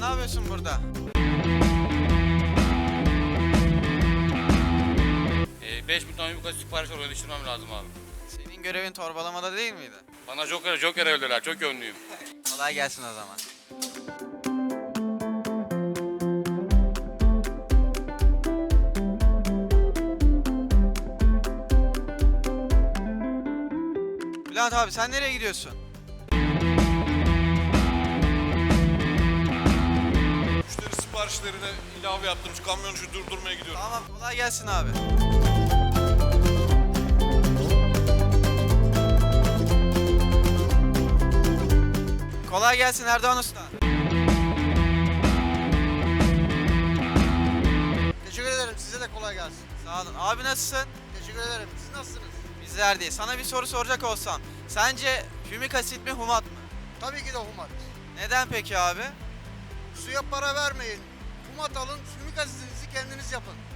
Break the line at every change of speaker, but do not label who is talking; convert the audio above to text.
ne yapıyorsun burada?
5.000 ton yumurta sipariş oraya düşürmem lazım abi.
Senin görevin torbalamada değil miydi?
Bana Joker öldüler, çok yönlüyüm.
Kolay gelsin o zaman. Bülent abi sen nereye gidiyorsun?
Müşteri siparişlerine ilave yaptım. Şu kamyoncu durdurmaya gidiyorum.
Tamam kolay gelsin abi. Kolay gelsin Erdoğan Usta.
Teşekkür ederim. Size de kolay gelsin.
Sağ olun. Abi nasılsın?
Teşekkür ederim. Siz nasılsınız?
Bizler değil. Sana bir soru soracak olsam. Sence hümik asit mi humat mı?
Tabii ki de humat.
Neden peki abi?
Suya para vermeyin. Humat alın, sümük asitinizi kendiniz yapın.